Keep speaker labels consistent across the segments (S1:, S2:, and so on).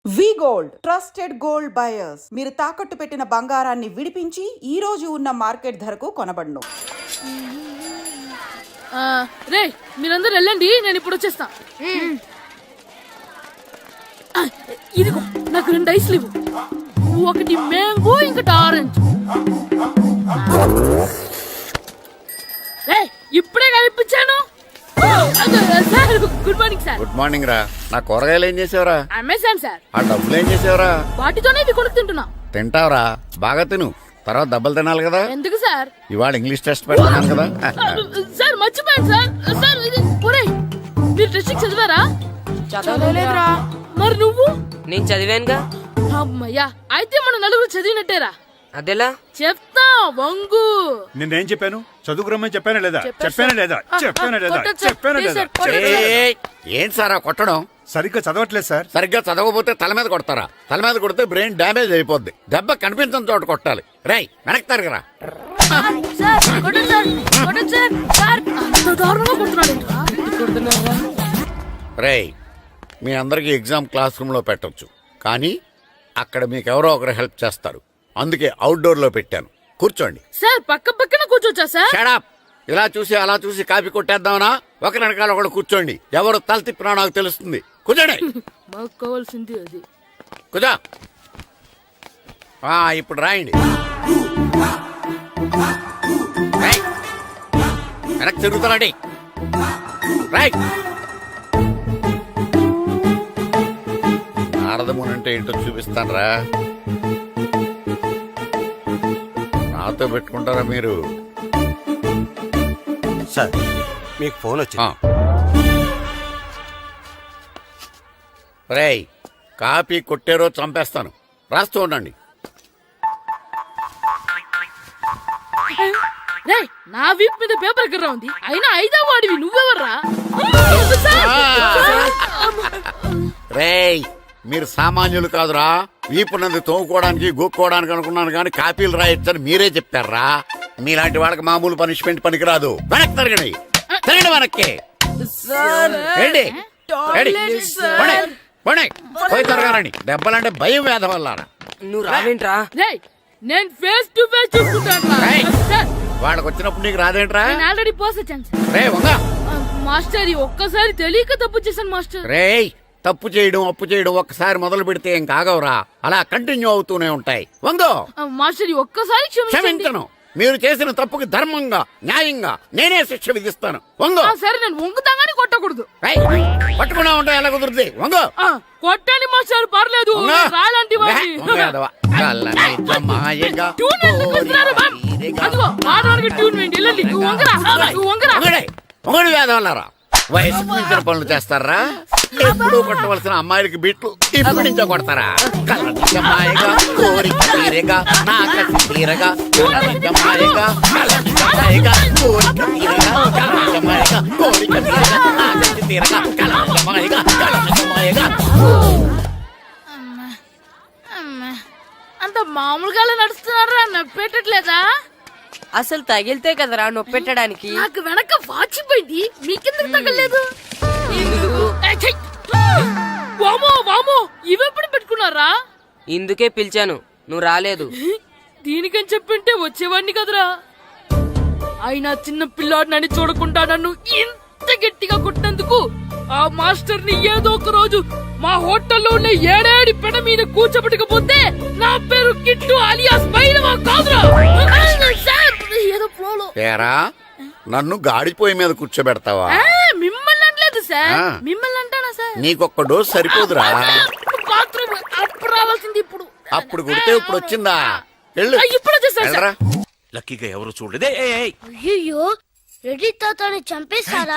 S1: వి gold trusted gold buyers మీరు తాకట్టు పెట్టిన బంగారాన్ని విడిపించి ఈ రోజు ఉన్న మార్కెట్ ధరకు కొనబడును.
S2: రే మీరందరూ వెళ్ళండి, నేను ఇప్పుడు వచ్చేస్తా. ఇదిగో నాకు 2 ఐస్లు ఇవ్వు, ఒకటి మ్యాంగో ఇంకటి ఆరెంజ్. ఇప్పుడే కనిపించాను. Sir good morning sir.
S3: Good morning రా. నా కూరగాయలు ఏం చేసావురా?
S2: Amazon sir.
S3: ఆ డబ్బులు ఏం చేసావురా?
S2: వాటితోనే ఇవి కొనుక్కు తింటున్నా.
S3: తింటావురా, బాగా తిను, తర్వాత దెబ్బలు తినాలి కదా.
S2: ఎందుకు సార్?
S3: ఇవాళ ఇంగ్లీష్ టెస్ట్ పెడతాను కదా.
S2: సార్ మర్చిపోయాను సార్. సార్ ఇది మీరు టెస్టింగ్ చదివారా?
S4: చదవలేదురా.
S2: మరి నువ్వు?
S4: నేను చదివానుగా.
S2: అమ్మయ్యా, అయితే మన నలుగురు చదివినట్టేరా.
S4: అదెలా?
S2: చెప్తా వంగు.
S5: నేనేం చెప్పాను? చదువుకురమ్మని చెప్పానా లేదా?
S3: ఏంటి సార్ కొట్టడం?
S5: సరిగ్గా చదవట్లేదు సార్.
S3: సరిగ్గా చదవకపోతే తల మీద కొడతారా? తల మీద కొడితే బ్రెయిన్ డ్యామేజ్ అయిపోద్ది. దెబ్బ కనిపించిన చోట కొట్టాలి. రై వెనక్కి తరగరా. రేయ్, మీ అందరికి ఎగ్జామ్ క్లాస్ రూమ్ లో పెట్టొచ్చు, కానీ అక్కడ మీకు ఎవరో ఒకరు హెల్ప్ చేస్తారు. అందుకే అవుట్డోర్ లో పెట్టాను. కూర్చోండి.
S2: సార్ పక్క పక్కన కూర్చోచ్చా సార్?
S3: Shut up. ఇలా చూసి అలా చూసి కాపీ కొట్టేద్దామనా? ఒకరి వెనకాల ఒకడు కూర్చోండి. ఎవరు తల తిప్పినా నాకు తెలుస్తుంది. కూర్చోండి.
S2: మాకు కావాల్సింది అది.
S3: కూర్చో. ఇప్పుడు రాయండి. వెనక్కి తిరుగుతారండి. రాయ్. నారదమునంటే ఏంటో చూపిస్తాను రా. నాతో పెట్టుకుంటారా మీరు?
S6: సార్ మీకు ఫోన్ వచ్చింది.
S3: రేయ్, కాపీ కొట్టారో చంపేస్తాను. రాస్తూ ఉండండి.
S2: రేయ్, నా వీప్ మీద పేపర్ ఎక్కడ ఉంది? అయినా 5వ వాడివి నువ్వెవర్రా?
S3: రేయ్, మీరు సామాన్యులు కాదురా. వీపునంది తోముకోవడానికి గోక్కోవడానికి అనుకున్నాను, కానీ కాపీలు రాయొచ్చని మీరే చెప్పారా. మీలాంటి వాళ్ళకి మామూలు పనిష్మెంట్ పనికిరాదు. వెనక్కి తిరగండి. తిరగండి వెనక్కి. పోయి తిరగారండి. దెబ్బలంటే భయం వేద వల్ల.
S4: నువ్వు రావేంట్రా?
S2: నేను ఫేస్ టు ఫేస్ చూసుకుంటాను.
S3: వాళ్ళకి వచ్చినప్పుడు నీకు రాదేంట్రా?
S2: ఆల్రెడీ పోస్ వచ్చాను
S3: రే వంగా.
S2: మాస్టర్ ఒక్కసారి తెలియక తప్పు చేశాను మాస్టర్.
S3: రేయ్, తప్పు చేయడం అప్పు చేయడం ఒక్కసారి మొదలు పెడితే ఏం కాగవరా. అలా కంటిన్యూ అవుతూనే ఉంటాయి. వందో.
S2: మాస్టర్ ఒక్కసారి
S3: క్షమించను. మీరు చేసిన తప్పుకి ధర్మంగా న్యాయంగా నేనే శిక్ష విధిస్తాను. వంగో.
S2: సరే, నేను వంగుతాగాని కొట్టకూడదు.
S3: పట్టుకున్నా ఉంటా, ఎలా కుదురుతుంది? వంగో.
S2: కొట్టండి మాస్టర్, పర్లేదు. రాలాంటి
S3: వేదవల్లారా. వయసు మించిన పనులు చేస్తారా? ఎప్పుడూ కొట్టవలసిన అమ్మాయిలకి బిట్లు ఇప్పుడు నుంచో కొడతారా? కళ్ళమాయగా కోరిక తీరగా నా కసి తీరగా కళ్ళమాయగా కళ్ళమాయగా కోరిక తీరగా కళ్ళమాయగా కోరిక తీరగా నా కసి తీరగా కళ్ళమాయగా కళ్ళమాయగా.
S2: అంత మామూలుగా నడుస్తున్నారా? నొప్పెట్టట్లేదా?
S4: అసలు తగిలితే కదరా నొప్పెట్టడానికి.
S2: నాకు వెనక వాచిపోయింది, మీకెందుకు తగలేదు? వామో వామో, ఇవెప్పుడు పెట్టుకున్నారా?
S4: ఇందుకే పిలిచాను, నువ్వు రాలేదు.
S2: దీనికని చెప్పింటే వచ్చేవాడిని కదరా. అయినా చిన్న పిల్లాడినని చూడకుండా నన్ను ఇంత గట్టిగా కొట్టినందుకు ఆ మాస్టర్ ని ఏదో ఒక రోజు మా హోటల్లో ఉన్న 7 పెడ మీద కూర్చోబెట్టకపోతే నా పేరు కిట్టు అలియాస్ బైరవా కాదురా. ఏదో ఫ్లోలో.
S3: ఏరా, నన్ను గాడిపోయి మీద కూర్చోబెడతావా?
S2: మిమ్మల్ని అనలేదు సార్. మిమ్మల్ని అంటానా సార్?
S3: నీకొక్క డోసు సరిపోదురా.
S2: బాత్రూమ్ అప్పుడు రావాల్సింది ఇప్పుడు.
S3: అప్పుడు కొడితే ఇప్పుడు వచ్చిందా?
S2: ఇప్పుడు వచ్చేసారా?
S6: లక్కీగా ఎవరు చూడలేదే.
S7: అయ్యో, రెడ్డి తాతని చంపేస్తారా?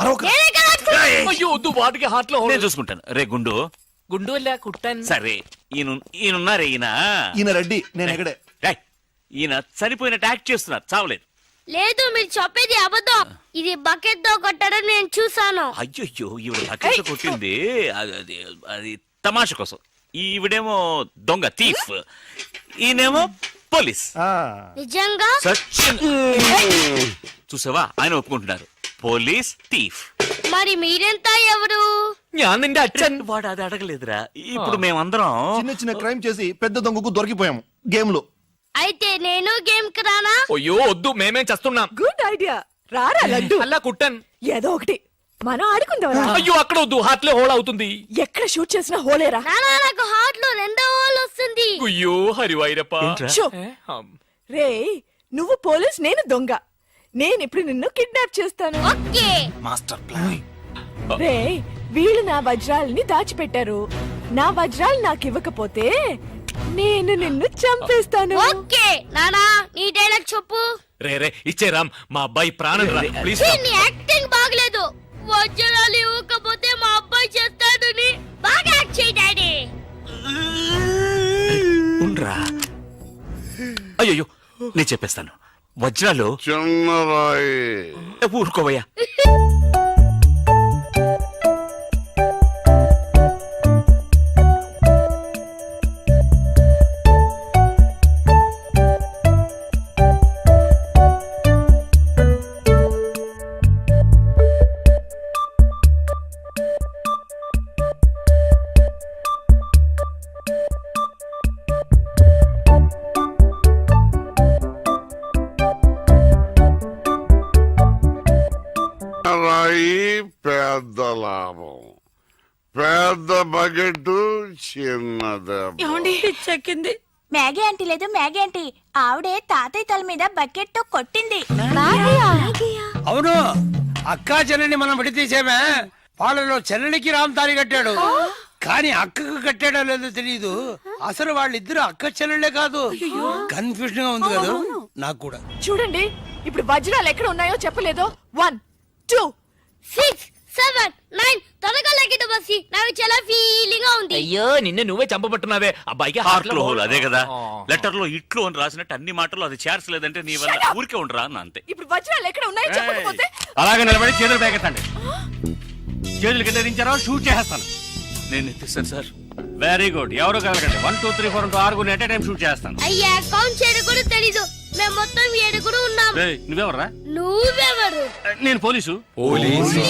S6: వాటికి హార్ట్ లో నేను చూసుకుంటాను. రే గుండు
S4: గుండు కుట్టాను.
S6: సరే, ఈయనున్నారే. ఈయన రెడ్డి, నేను ఎక్కడే. ఈయన చనిపోయినట్టు యాక్ట్ చేస్తున్నారు, చావలేదు.
S7: లేదు, మీరు చెప్పేది అబద్ధం. ఇది బకెట్ తో కొట్టడం నేను చూసాను.
S6: అయ్యో, ఈవిడ బకెట్ కొట్టింది అది తమాషా కోసం. ఈవిడేమో దొంగ థీఫ్, ఈయనేమో పోలీస్.
S7: నిజంగా
S6: చూసావా, ఆయన ఒప్పుకుంటున్నారు. Police thief.
S7: మరి మీరెంత ఎవరు?
S6: ഞാൻ നിന്റെ അച്ഛൻ వాడు అది అడగలేదురా ఇప్పుడు మేమందరం
S8: చిన్న చిన్న క్రైమ్ చేసి పెద్ద దొంగకు దొరికిపోయాము గేమ్ లో.
S7: అయితే నేను గేమ్ కి రానా?
S9: అయ్యో వద్దు మేమేం చేస్తున్నాం.
S10: Good idea. రారా లడ్డు.
S9: అలా కుట్టన్.
S10: ఏదో ఒకటి మనం ఆడుకుందాం.
S9: అయ్యో అక్కడ వద్దు హార్ట్లే హోల్ అవుతుంది.
S10: ఎక్కడ షూట్ చేసినా హోలేరా.
S7: నానా నాకు హార్ట్ లో రెండో హోల్ వస్తుంది.
S9: అయ్యో హరివైరప్ప.
S10: షో. రే నువ్వు పోలీస్, నేను దొంగ. నేను ఇప్పుడు నిన్ను కిడ్నాప్ చేస్తాను.
S7: ఓకే.
S8: Master plan.
S10: రే వీళ్ళు నా వజ్రాలని దాచిపెట్టారు. నా వజ్రాలు నాకు ఇవ్వకపోతే నేను నిన్ను చంపేస్తాను.
S7: ఓకే నానా నీ డైలాగ్ చెప్పు.
S9: రే రే ఇచ్చే రామ్ మా అబ్బాయి ప్రాణం రా ప్లీజ్.
S7: నీ యాక్టింగ్ బాగలేదు. వజ్రాలు ఇవ్వకపోతే మా అబ్బాయి చేస్తాడని బాగా యాక్ట్ చేయి డాడీ.
S6: ఉండ్రా అయ్యో నేను చెప్పేస్తాను వజ్రాలు
S3: చిన్నరాయి
S6: ఊరుకోవయ్యా
S3: రాయి పెద్ద లాభం, పెద్ద బకెట్ చిన్నది.
S10: చెక్కింది.
S11: మ్యాగీ ఆంటీ లేదు, మ్యాగీ ఆంటీ ఆవిడే తాతయ్య తల మీద బకెట్ తో కొట్టింది.
S12: అవును అక్కా చెల్లెని మనం విడితీసేమే. వాళ్ళలో చెల్లెలికి రామ్ తాళి కట్టాడు, కానీ అక్కకు కట్టాడో లేదో తెలియదు. అసలు వాళ్ళిద్దరు అక్క చెల్లెళ్ళే కాదు. కన్ఫ్యూజన్ గా ఉంది కదా నాకు కూడా.
S10: చూడండి ఇప్పుడు వజ్రాలు ఎక్కడ ఉన్నాయో చెప్పలేదు. 1 2
S7: 6 7 9 త్వరగా లెక్కిట బస్సి. నాకు చాలా ఫీలింగ్ గా ఉంది.
S9: అయ్యో నిన్నే నువ్వే చంపబట్టున్నావే. అబ్బాయికి
S6: హార్ట్ లో హోల్ అదే కదా. లెటర్ లో ఇట్లు అని రాసినట్టు అన్ని మాటలు అది చేర్చలేదంటే నీ వల్ల ఊరికే ఉండరా అన్న అంతే.
S10: ఇప్పుడు వజ్రాలు ఎక్కడ ఉన్నాయో చెప్పకపోతే
S12: అలాగే నిలబడి చేతులు పేకెత్తండి. చేతులు కింద దించారో షూట్ చేస్తాను.
S6: నేను ఎత్తిస్తాను సార్.
S12: Very good. ఎవరు కలగండి. 1 2 3 4 6 ఎట్ టైం షూట్ చేస్తాను.
S7: అయ్యా కౌంట్ చేయడం కూడా తెలీదు. మేము మొత్తం 7 ఉన్నాం.
S12: నువ్వెవర్రా?
S7: నువ్వెవరు?
S12: నేను పోలీసు.
S9: పోలీసు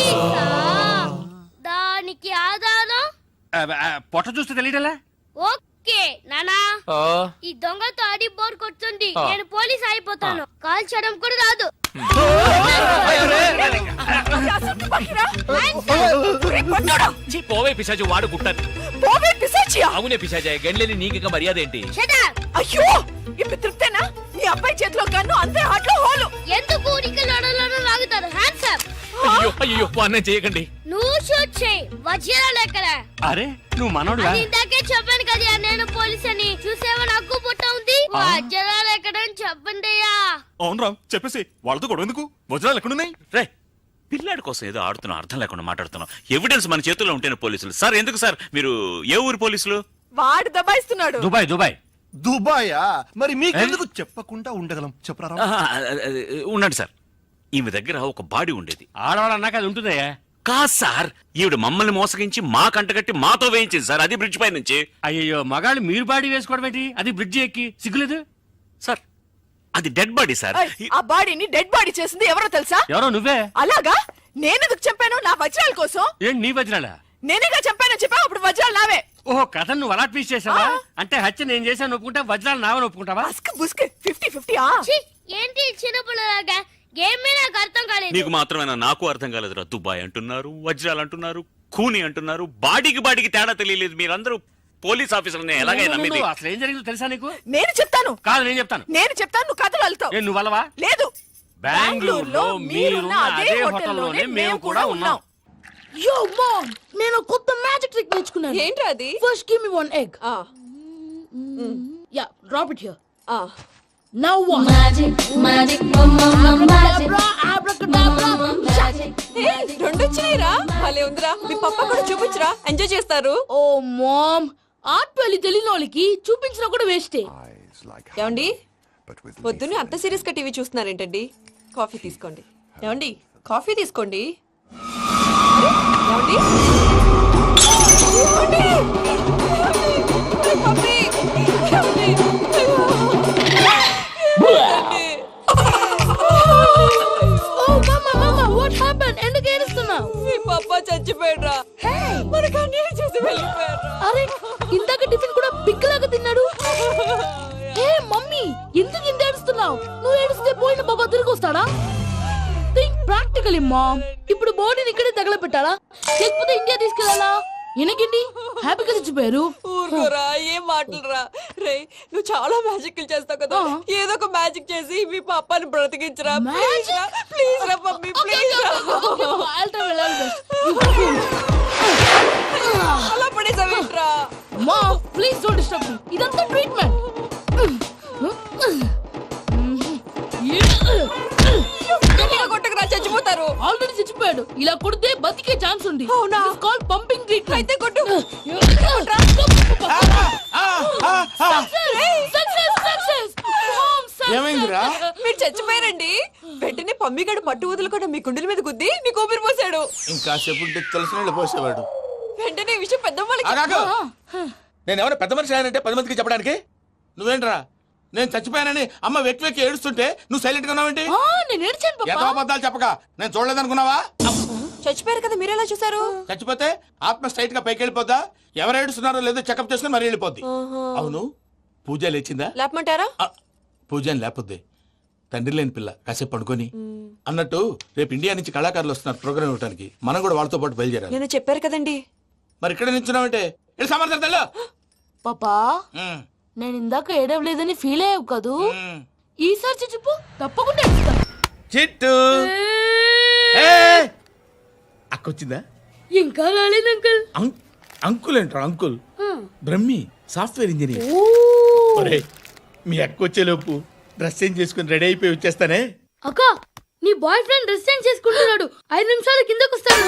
S7: దానికి ఆధారం
S12: పొట్ట చూస్తే తెలియటలా.
S7: ఓకే నానా ఈ దొంగతో ఆడి బోర్ కొడుతుంది. నేను పోలీస్ అయిపోతాను. కాల్ చేయడం కూడా రాదు.
S9: పోవే పిశాచి వాడు కుట్టన్.
S10: పోవే పిశాచియా.
S9: అవునే పిశాచి గండ్లేని నీకు మర్యాద ఏంటి?
S7: Shut up.
S10: అయ్యో ఇప్పుడు తృప్తేనా? నీ అబ్బాయి చేతిలో గన్ను, అంతే హాట్లో హోలు.
S7: ఎందుకు ఊరికి లడలను లాగుతారు? Hands up.
S9: అయ్యో అయ్యో అన్నం చేయకండి.
S7: నువ్వు షూట్ చేయి. వజ్రాలు ఎక్కడ?
S12: అరే నువ్వు మనోడుగా.
S7: అది ఇందాకే చెప్పాను కదా నేను పోలీస్ అని. చూసేవా నాకు పుట్ట ఉంది. వజ్రాలు ఎక్కడ అని చెప్పండి అయ్యా.
S6: అవును రామ్ చెప్పేసి వాళ్ళతో గొడవ ఎందుకు? వజ్రాలు ఎక్కడున్నాయి? రే పిల్లాడి కోసం ఏదో ఆడుతున్నాం, అర్థం లేకుండా మాట్లాడుతున్నాం. ఎవిడెన్స్ మన చేతుల్లో ఉంటేనే పోలీసులు. సార్ ఎందుకు సార్ మీరు ఏ ఊరు పోలీసులు?
S10: వాడు దబాయిస్తున్నాడు.
S12: Dubai Dubai.
S8: దుబాయా? మరి మీకెందుకు చెప్పకుండా ఉండగలం చెప్పరా?
S6: ఉండండి సార్. ఈమె దగ్గర ఒక బాడీ ఉండేది.
S12: ఆడవాళ్ళు అన్నాక అది ఉంటుందయ్యా.
S6: కాదు సార్, ఈవిడ మమ్మల్ని మోసగించి మా కంటగట్టి మాతో వేయించింది సార్. అది బ్రిడ్జ్ పై నుంచి.
S12: అయ్యో మగాళ్ళు మీరు బాడీ వేసుకోవడం ఏంటి? అది బ్రిడ్జ్ ఎక్కి సిగ్గులేదు
S6: సార్ అది డెడ్ బాడీ సార్.
S10: ఆ బాడీని డెడ్ బాడీ చేసింది ఎవరో తెలుసా?
S12: ఎవరో నువ్వే.
S10: అలాగా? నేనెందుకు చంపాను? నా వజ్రాల కోసం.
S12: ఏంటి నీ వజ్రాలా?
S10: నేనేగా చంపానని చెప్పా. అప్పుడు వజ్రాలు నావే.
S12: ఓహో కథ నువ్వు అలా ట్వీస్ట్ చేసావా? అంటే హత్య నేను చేశాను ఒప్పుకుంటా, వజ్రాలు నావని ఒప్పుకుంటావా?
S10: బస్క్ బుస్క్ 50-50.
S7: ఛీ, ఏంటి చిన్నపిల్లలాగా గేమ్ మీద నాకు అర్థం కాలేదు.
S6: నీకు మాత్రమేనా? నాకు అర్థం కాలేదురా. దుబాయ్ అంటున్నారు, వజ్రాలు అంటున్నారు, ఖూని అంటున్నారు. బాడీకి తేడా తెలియలేదు. మీరందరూ పోలీస్ ఆఫీసర్ని ఎలాగైనా నమ్మింది.
S12: అసలు ఏం జరిగిందో తెలుసా నీకు?
S10: నేను చెప్తాను.
S12: కాదు నేను చెప్తాను.
S10: నేను చెప్తాను, నువ్వు కథలు వెళ్తావు.
S12: నువ్వు వల్లవా?
S10: లేదు.
S12: బెంగళూరులో మీరున్న అదే హోటల్లోనే మేము కూడా ఉన్నాం.
S2: యో మామ్ నేను కొత్త మ్యాజిక్ ట్రిక్ నేర్చుకున్నాను.
S10: ఏంట్రా అది?
S2: First give me 1 egg. Yeah drop it here. Now what? Magic abracadabra abracadabra magic.
S10: రెండు వచ్చినాయిరా. భలే ఉందిరా. మీ పప్పా కూడా చూపించరా, ఎంజాయ్ చేస్తారు.
S2: ఓ మామ్ ఆర్ట్ పెళ్లి తెలియని వాళ్ళకి చూపించినా కూడా వేస్టే.
S10: ఏమండి పొద్దున్నే అంత సీరియస్ గా టీవీ చూస్తున్నారేంటండి? కాఫీ తీసుకోండి. ఏమండి కాఫీ తీసుకోండి. ఏమండి? ఏమండి? పప్పీ! ఏమండి?
S2: ఓ మమ్మా మమ్మా వాట్ హ్యాపెన్? ఎందుకు ఏడుస్తున్నావు?
S10: మీ
S2: ఎందుకు ఇంత ఏడుస్తున్నావు? నువ్వు ఏడిస్తే పోయిన బాబా తిరిగి వస్తాడా? Think practically mom. ఇప్పుడు బాడీని ఇక్కడే తగలబెట్టాలా లేకపోతే ఇండియా తీసుకెళ్ళాలా? ఎనకండి హ్యాపీగా చచ్చిపోయారు.
S10: ఊరుకోరా, ఏం మాటలురా. రే, నువ్వు చాలా మ్యాజిక్ చేస్తావు కదా, ఏదో ఒక మ్యాజిక్ చేసి మీ పాపాని బ్రతికించరా. ప్లీజ్ రా మమ్మీ, ప్లీజ్ రా. అలా పడేసావేంట్రా?
S2: Mom please don't disturb me. ఇదంతా ట్రీట్మెంట్.
S10: కొట్టకరా, చచ్చిపోతారు.
S2: ఆల్రెడీ చచ్చిపోయాడు. ఇలా కొడితే బతికే ఛాన్స్ ఉంది.
S10: అవునా?
S2: Call pumping treatment.
S10: అయితే కొట్టు.
S12: ఏమైందిరా?
S10: మీరు చచ్చిపోయారండి. వెంటనే పమ్మిగాడు పట్టు వదులుకుండా మీ గుండెల మీద గుద్ది మీకు ఊపిరి పోసాడు.
S8: ఇంకా చెప్పుంటే తెలిసిన పోసేవాడు.
S10: వెంటనే ఈ విషయం పెద్ద
S8: నేను ఎవరైనా పెద్ద మనిషి ఆయనంటే 10 మందికి చెప్పడానికి నువ్వేంట్రా? నేను చచ్చిపోయానని అమ్మ వెక్కి వెక్కి ఏడుస్తుంటే నువ్వు సైలెంట్ గా ఉన్నావేంటి?
S2: నేను ఏడ్చాను
S8: ఎంతో
S2: పాపా.
S8: అబద్ధాలు చెప్పక నేను చూడలేదనుకున్నావా?
S10: చచ్చిపోయారు కదా, మీరెలా చూసారు?
S8: చచ్చిపోతే ఆత్మ స్ట్రైట్ గా పైకి వెళ్ళిపోద్దా? ఎవరు ఏడుస్తున్నారో లేదో చెకప్ చేసుకుని మరీ వెళ్ళిపోద్ది. అవును, పూజ లేచిందా?
S10: లేపమంటారా?
S8: పూజ అని లేకపోద్ది. తండ్రి లేని పిల్ల కాసేపు పడుకొని అన్నట్టు రేపు ఇండియా నుంచి కళాకారులు వస్తున్నారు ప్రోగ్రామ్ ఇవ్వడానికి. మనం కూడా వాళ్ళతో పాటు బయలుదేరాలి.
S10: నేను చెప్పారు కదండి.
S8: మరి ఇక్కడ నిల్చున్నావంటే సమర్థతలో
S2: పాపా నేను ఇందాక ఏడవలేదని ఫీల్ అయ్యావు కదూ. ఈసారి చచ్చిపో, తప్పకుండా ఏడుస్తా.
S8: చిట్టు అక్కొచ్చిందా?
S2: ఇంకా రాలేదు అంకుల్.
S8: అంకుల్ ఏంట్రా? Uncle Brahmi software engineer. ఒరేయ్, మీ అక్క వచ్చేలోపు డ్రెస్ చేంజ్ చేసుకుని రెడీ అయిపోయి వచ్చేస్తానే.
S2: అక్క, నీ బాయ్ ఫ్రెండ్ డ్రెస్ చేంజ్ చేసుకుంటున్నాడు. 5 నిమిషాలు కిందకు వస్తాడు.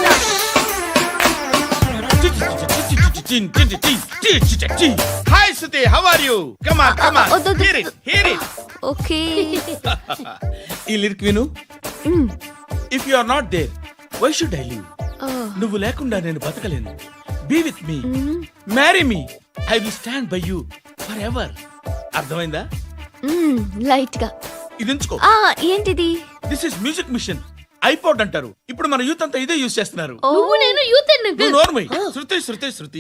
S8: Hi Suthi, how are you? Come on come on, hear it hear it.
S11: Okay.
S8: ఈ లిరిక్ విను. If you are not there why should I live? నువ్వు లేకుండా నేను బతకలేను. Be with me, marry me, I will stand by you forever. అర్థమైందా?
S11: Light గా.
S8: ఇది ఉంచుకో.
S11: ఏంటిది?
S8: This is music machine. IPod అంటారు. ఇప్పుడు మన యూత్ అంతా ఇదే యూజ్ చేస్తున్నారు.
S2: నువ్వు నేను యూత్
S8: నువ్వు నోర్మై. శృతి శృతి శృతి.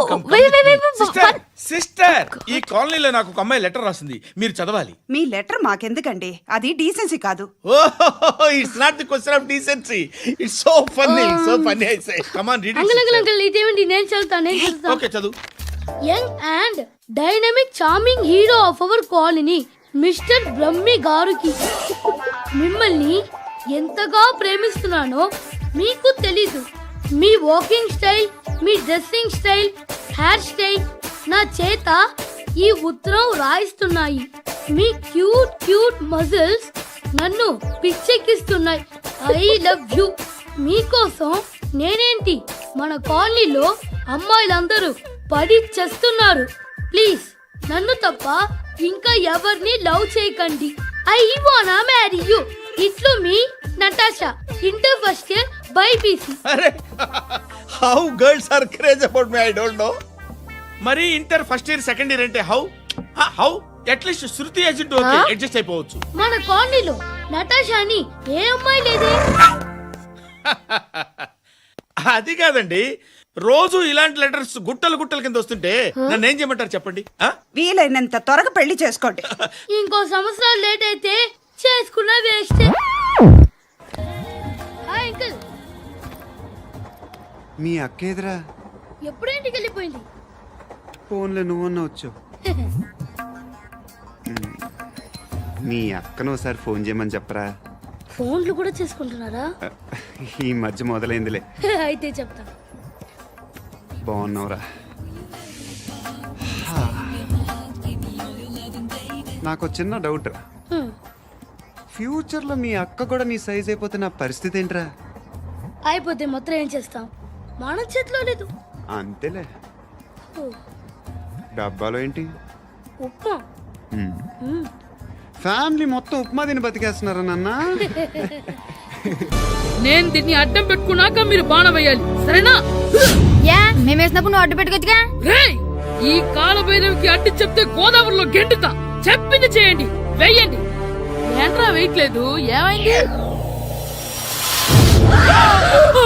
S8: సిస్టర్, ఈ కాలనీలో నాకు ఒక అమ్మాయి లెటర్ రాసింది, మీరు చదవాలి.
S1: మీ లెటర్ మాకెందుకండి, అది డీసెన్సీ కాదు.
S8: It's not the question of decency. It's so funny, so funny. I say come on read
S2: uncle uncle uncle ఇదేంటి? నేను చదువుతాను.
S8: ఓకే, చదువు.
S2: Young and dynamic charming hero of our colony mister Brahmi గారికి మిమ్మల్ని ఎంతగా ప్రేమిస్తున్నానో మీకు తెలీదు. మీ వాకింగ్ స్టైల్, మీ డ్రెస్సింగ్ స్టైల్, హెయిర్ స్టైల్ నా చేత ఈ ఉత్తరం రాయిస్తున్నాయి. మీ క్యూట్ క్యూట్ మజిల్స్ నన్ను పిచ్చెక్కిస్తున్నాయి. I love you. మీకోసం నేనేంటి, మన కాలనీలో అమ్మాయిలందరూ పడి చేస్తున్నారు. ప్లీజ్ నన్ను తప్ప ఇంకా ఎవరిని లవ్ చేయకండి. ఐ వానా మ్యారీ యూ. ఇట్లు మీ Natasha, inter first year BiPC.
S8: అరే, how girls are craze about me I don't know. మరి inter first year second year అంటే how how at least Shruti agent okay adjust అయిపోవచ్చు.
S2: మన కాలనీలో నటాషా అని ఏ అమ్మాయి లేదే.
S8: అది కాదండి, రోజు ఇలాంటి లెటర్స్ గుట్టలు గుట్టల కింద వస్తుంటే నన్ను ఏం చేయమంటారు చెప్పండి?
S1: వీలైనంత త్వరగా పెళ్లి చేసుకోండి.
S2: ఇంకో సంవత్సరాలు లేట్ అయితే చేసుకున్న వేస్ట్. Hi uncle.
S5: మీ అక్క ఎదురా
S2: ఎప్పుడు ఇంటికి వెళ్ళిపోయింది?
S5: ఫోన్లో నువ్వన్నా వచ్చు. మీ అక్కను ఒకసారి ఫోన్ చేయమని చెప్పరా.
S2: ఫోన్లు కూడా చేసుకుంటున్నారా?
S5: ఈ మధ్య మొదలైందిలే.
S2: అయితే చెప్తా.
S5: బాగున్నావురా. నాకు చిన్న డౌట్ రా. ఫ్యూచర్లో మీ అక్క కూడా నీ సైజ్ అయిపోతే నా పరిస్థితి ఏంట్రా?
S2: అయిపోతే మాత్రం ఏం చేస్తాం, మన చేతిలో లేదు.
S5: అంతేలే. డబ్బాలో ఏంటి?
S2: ఉప్మా.
S5: ఫ్యామిలీ మొత్తం ఉప్మా తిని బతికేస్తున్నారా నాన్న?
S2: నేను దీన్ని అడ్డం పెట్టుకున్నాక మీరు బాణం వేయాలి, సరేనా?
S11: మేము వేసినప్పుడు నువ్వు అడ్డు పెట్టుకోవచ్చుగా.
S2: రేయ్, ఈ కాలభైరవికి అడ్డు చెప్తే గోదావరిలో గెంటుతా. చెప్పింది చేయండి, వెయ్యండి. ఏంట్రా వెయ్యట్లేదు, ఏమైంది?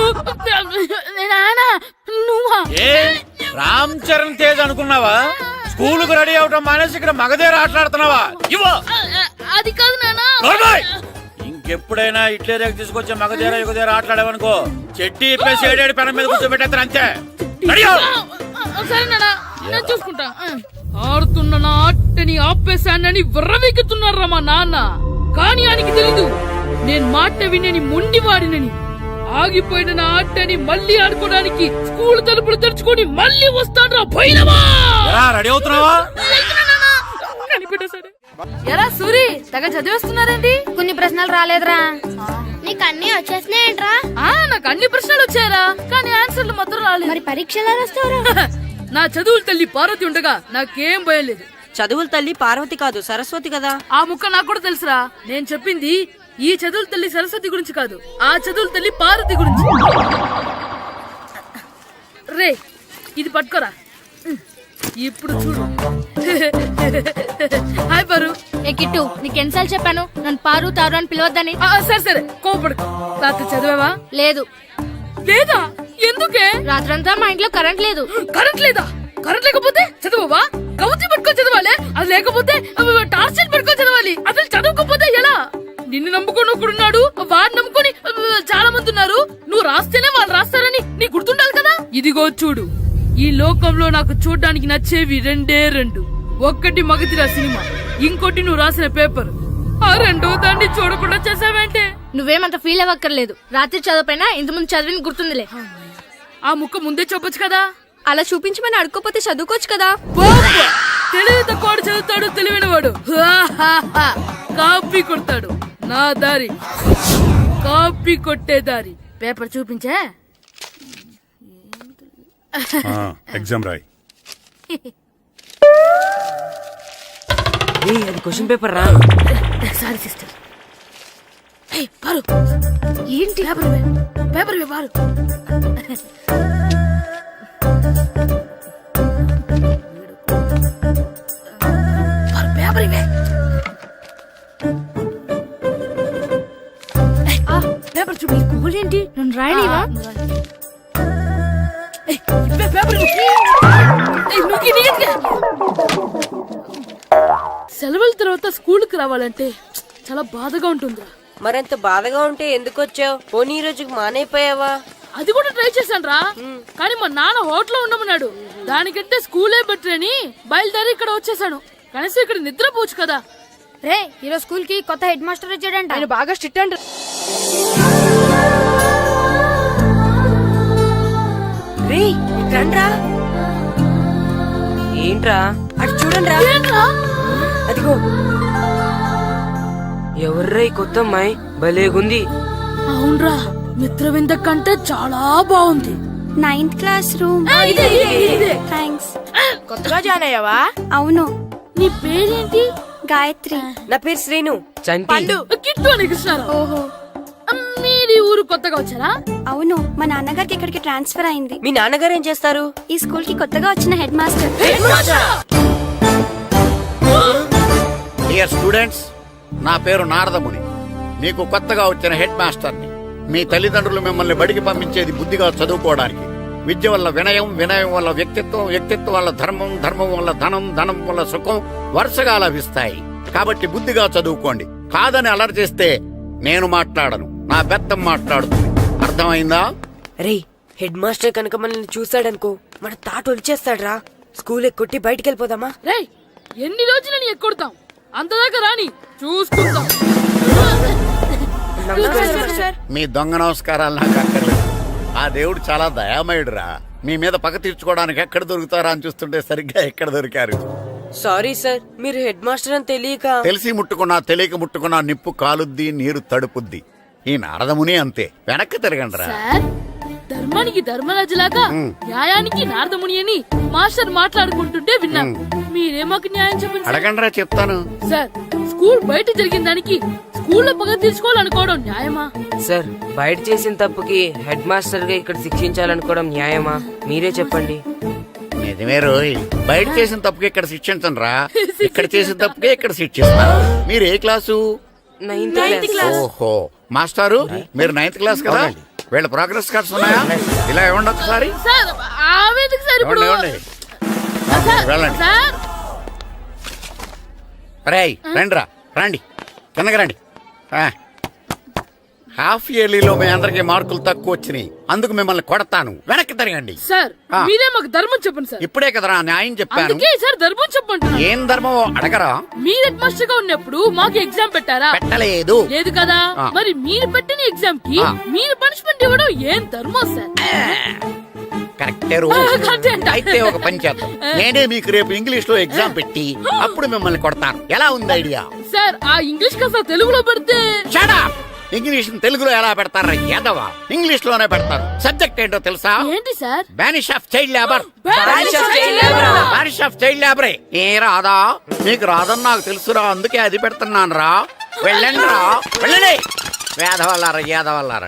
S3: రామ్ చరణ్ తేజ్ అనుకున్నావా? స్కూలుకు రెడీ అవటం మానేసి ఇక్కడ మగధీర ఆటలాడుతున్నావా? ఇవ్వు.
S2: అది కాదు నానా.
S3: నోర్మోయ్! ఇంకెప్పుడైనా ఇట్లే రేపు తీసుకొచ్చే మగధీర యుగధీర ఆటలాడేవనుకో చెట్టి ఇప్పేసి ఏడేడు పెనం మీద కూర్చోబెట్టేస్తారు అంతే. రెడీ అవ్వు.
S2: సరే నానా, నేను చూసుకుంటా. ఆడుతున్న నా ఆటని ఆపేశానని విర్రవీగుతున్నారా మా నాన్న. కానీ ఆయనకి తెలీదు నేను మాట వినని మొండివాడినని. ఆగిపోయిన నా ఆటని మళ్ళీ ఆడుకోవడానికి స్కూల్ తలుపులు తెరుచుకొని మళ్ళీ వస్తాడ్రా పోయినవా.
S3: రెడీ అవుతున్నావా?
S2: ఎరా సూరి, తెగ చదివేస్తున్నారండి.
S7: కొన్ని ప్రశ్నలు రాలేదురా. నీకు అన్ని వచ్చేసినాయంట్రా?
S2: నాకు అన్ని ప్రశ్నలు వచ్చాయరా, కానీ ఆన్సర్లు మాత్రం రాలేదు.
S7: మరి పరీక్షలు రాస్తావురా?
S2: నా చదువుల తల్లి పార్వతి ఉండగా నాకేం భయం లేదు.
S4: చదువుల తల్లి పార్వతి కాదు సరస్వతి కదా.
S2: ఆ ముక్క నాకు కూడా తెలుసురా. నేను చెప్పింది ఈ చదువుల తల్లి సరస్వతి గురించి కాదు, ఆ చదువుల తల్లి పార్వతి గురించి. రే ఇది పట్టుకోరా. ఇప్పుడు చూడు. హాయ్ పారు.
S7: ఏ కిట్టు, నీకు ఎన్నిసార్లు చెప్పాను నన్ను పారు తారు అని పిలవద్దని?
S2: సరే సరే కోపడుకో. రాత్రి చదివావా?
S7: లేదు.
S2: లేదా? ఎందుకే?
S7: రాత్రంతా మా ఇంట్లో కరెంట్ లేదు.
S2: కరెంట్ లేదా? కరెంట్ లేకపోతే చదవవా? కవచి పట్టుకొని చదవాలి. అది లేకపోతే టార్చ్ లైట్ పట్టుకొని చదవాలి. అసలు చదవకపోతే ఎలా? నిన్ను నమ్ముకొని ఒకడున్నాడు, వాడిని నమ్ముకొని చాలా మంది ఉన్నారు. నువ్వు రాస్తేనే వాళ్ళు రాస్తారని నీ గుర్తుండాలి కదా. ఇదిగో చూడు, ఈ లోకంలో నాకు చూడ్డానికి నచ్చేవి రెండే రెండు. ఒక్కటి మగధీర సినిమా, ఇంకోటి నువ్వు రాసిన పేపర్. ఆ రెండో దాన్ని చూడకుండా చేసావేంటే?
S7: నువ్వేమంత ఫీల్ అవ్వక్కర్లేదు. రాత్రి చదవపోయినా ఇంతకుముందు చదివిన గుర్తుందిలే.
S2: ఆ ముక్క ముందే చెప్పొచ్చు కదా.
S7: అలా చూపించమని అడుక్కోపోతే చదువుకోవచ్చు కదా.
S2: తెలివి తక్కువ చదువుతాడు, తెలివైన వాడు కాపీ కొడతాడు. నా దారి కాపీ కొట్టే దారి. పేపర్ చూపించే.
S5: ఎగ్జామ్ రాయి.
S4: అది క్వశ్చన్ పేపర్ రా.
S2: Sorry sister. పారు ఏంటి పేపర్ పారు. పేపర్ ఇవే. పేపర్ చూపి. స్కూల్ ఏంటి నన్ను రాయలేవా? సెలవుల తర్వాత స్కూల్ కి రావాలంటే చాలా బాధగా ఉంటుందిరా.
S4: మరంత బాధగా ఉంటే ఎందుకు వచ్చావు? పోనీ ఈ రోజుకి మానైపోయావా?
S2: అది కూడా ట్రై చేశాను రా, కానీ మా నాన్న హోటల్లో ఉండమన్నాడు. దానికంటే స్కూలే బెటర్ అని బయలుదేరి ఇక్కడ వచ్చేసాను. కనీసం ఇక్కడ నిద్రపోవచ్చు కదా.
S7: రే ఈరోజు స్కూల్ కి కొత్త హెడ్ మాస్టర్ వచ్చాడంట.
S2: ఆయన బాగా స్ట్రిక్ట్ అంట.
S4: ఏంట్రా అటు చూడండి. అదిగో ఎవర్రా ఈ కొత్త అమ్మాయి? భలేగుంది.
S2: అవునరా, మిత్రవింద కంటే చాలా బాగుంది.
S11: 9th classroom. థ్యాంక్స్.
S2: కొత్తగా జాయిన్ అయ్యావా?
S11: అవును.
S2: నీ పేరేంటి?
S11: గాయత్రి.
S4: నా పేరు శ్రీను. చంటి.
S2: కిట్టు అని కృష్ణారావు.
S11: ఓహో.
S2: మీరు ఊరు కొత్తగా వచ్చారా?
S11: అవును, మా నాన్నగారికి ఇక్కడికి ట్రాన్స్ఫర్ అయింది.
S4: మీ నాన్నగారు ఏం చేస్తారు?
S11: ఈ స్కూల్ కి కొత్తగా వచ్చిన హెడ్ మాస్టర్.
S3: డియర్ స్టూడెంట్స్, నా పేరు నారదముని. మీకు కొత్తగా వచ్చిన హెడ్ మాస్టర్ని. మీ తల్లిదండ్రులు మిమ్మల్ని బడికి పంపించేది బుద్ధిగా చదువుకోవడానికి. విద్య వల్ల వినయం, వినయం వల్ల వ్యక్తిత్వం, వ్యక్తిత్వం వల్ల ధర్మం, ధర్మం వల్ల ధనం, ధనం వల్ల సుఖం వరుసగా లభిస్తాయి. కాబట్టి బుద్ధిగా చదువుకోండి. కాదని అలర్ చేస్తే నేను మాట్లాడను, నా బెత్తం మాట్లాడుతుంది. అర్థమైందా?
S4: రే, హెడ్ మాస్టర్ కనుక మనల్ని చూసాడనుకో మన తాట వచ్చేస్తాడ్రా. స్కూల్ ఎక్కొట్టి బయటికి వెళ్ళిపోదామా?
S2: రే, ఎన్ని రోజులని ఎక్కొడతాం? అంతదాకా రాని చూసుకుందాం.
S3: మీ దొంగ నమస్కారాలు నాకు అక్కర్లేదు. ఆ దేవుడు చాలా దయామయుడురా. మీ మీద పగ తీర్చుకోవడానికి ఎక్కడ దొరుకుతారా అని చూస్తుంటే సరిగ్గా ఎక్కడ దొరికారు.
S4: సారీ సార్, మీరు హెడ్ మాస్టర్ అని తెలియక.
S3: తెలిసి ముట్టుకున్నా తెలియక ముట్టుకున్నా నిప్పు కాలుద్ది, నీరు తడుపుద్ది. ఈ నారదముని అంతే. వెనక్కి తిరగండిరా.
S2: సార్, ధర్మానికి ధర్మరాజులాగా న్యాయానికి నారదముని అని మాస్టర్ మాట్లాడుకుంటుంటే విన్నాం. మీరే మాకు న్యాయం చెప్పండి.
S3: అడగండిరా, చెప్తాను.
S2: సార్, స్కూల్ బయట జరిగిన దానికి స్కూల్లో పగ తీర్చుకోవాలనుకోవడం న్యాయమా?
S4: సార్, బయట చేసిన తప్పుకి హెడ్ మాస్టర్ గా ఇక్కడ శిక్షించాలనుకోవడం న్యాయమా? మీరే చెప్పండి.
S3: నిజమే రోయ్, బయట చేసిన తప్పుకి ఇక్కడ శిక్షించను రా. ఇక్కడ చేసిన తప్పుకే ఇక్కడ శిక్షిస్తాను. మీరు ఏ క్లాసు?
S4: 9th class.
S3: ఓహో, మాస్టారు మీరు 9th క్లాస్ కదా? వీళ్ళ ప్రోగ్రెస్ కార్డ్స్ ఉన్నాయా? ఇలా ఇవ్వండి ఒకసారి.
S2: సార్, ఆవేదకు సార్ ఇప్పుడు
S3: ఇవ్వండి.
S2: సార్,
S3: వెళ్ళండి.
S2: సార్
S3: రేయ్ రండిరా రండి కిందకి రండి హాఫ్ ఇయర్లీలో మీ అందరికి మార్కులు తక్కువ వచ్చినాయి, అందుకు మిమ్మల్ని కొడతాను. వెనక్కి తిరగండి.
S2: సార్
S3: ఆ.
S2: మీరే మాకు ధర్మం చెప్పండి సార్.
S3: ఇప్పుడే కదరా న్యాయం చెప్పాను.
S2: అందుకే సార్ ధర్మం చెప్పండి.
S3: ఏం ధర్మం అడగరా?
S2: మీరు హెడ్ మాస్టర్ గా ఉన్నప్పుడు మాకు ఎగ్జామ్ పెట్టారా?
S3: పెట్టలేదు.
S2: లేదు కదా.
S3: ఆ.
S2: మరి మీరు పెట్టిన ఎగ్జామ్ కి
S3: ఆ.
S2: మీరు పనిష్మెంట్ ఇవ్వడం ఏం ధర్మం సార్?
S3: కరెక్టే రూల్.
S2: కరెక్టే అంట.
S3: అయితే ఒక పని చేద్దాం, నేనే మీకు రేపు ఇంగ్లీష్ లో ఎగ్జామ్ పెట్టి అప్పుడు మిమ్మల్ని కొడతాను. ఎలా ఉంది ఐడియా?
S2: సార్ ఆ ఇంగ్లీష్ కాస్త తెలుగులో పెడితే.
S3: Shut up! ఇంగ్లీష్ తెలుగులో ఎలా పెడతారా యాదవా? ఇంగ్లీష్ లోనే పెడతారు. సబ్జెక్ట్ ఏంటో తెలుసా?
S2: ఏంటి sir?
S3: Banish of child labour.
S2: Banish of child labor.
S3: Banish of child లేబరే. ఏ రాదా? నీకు రాదని నాకు తెలుసురా, అందుకే అది పెడుతున్నాను రా. వెళ్ళండి రా, వెళ్ళండి. వేదవల్లారా యాదవల్లారా.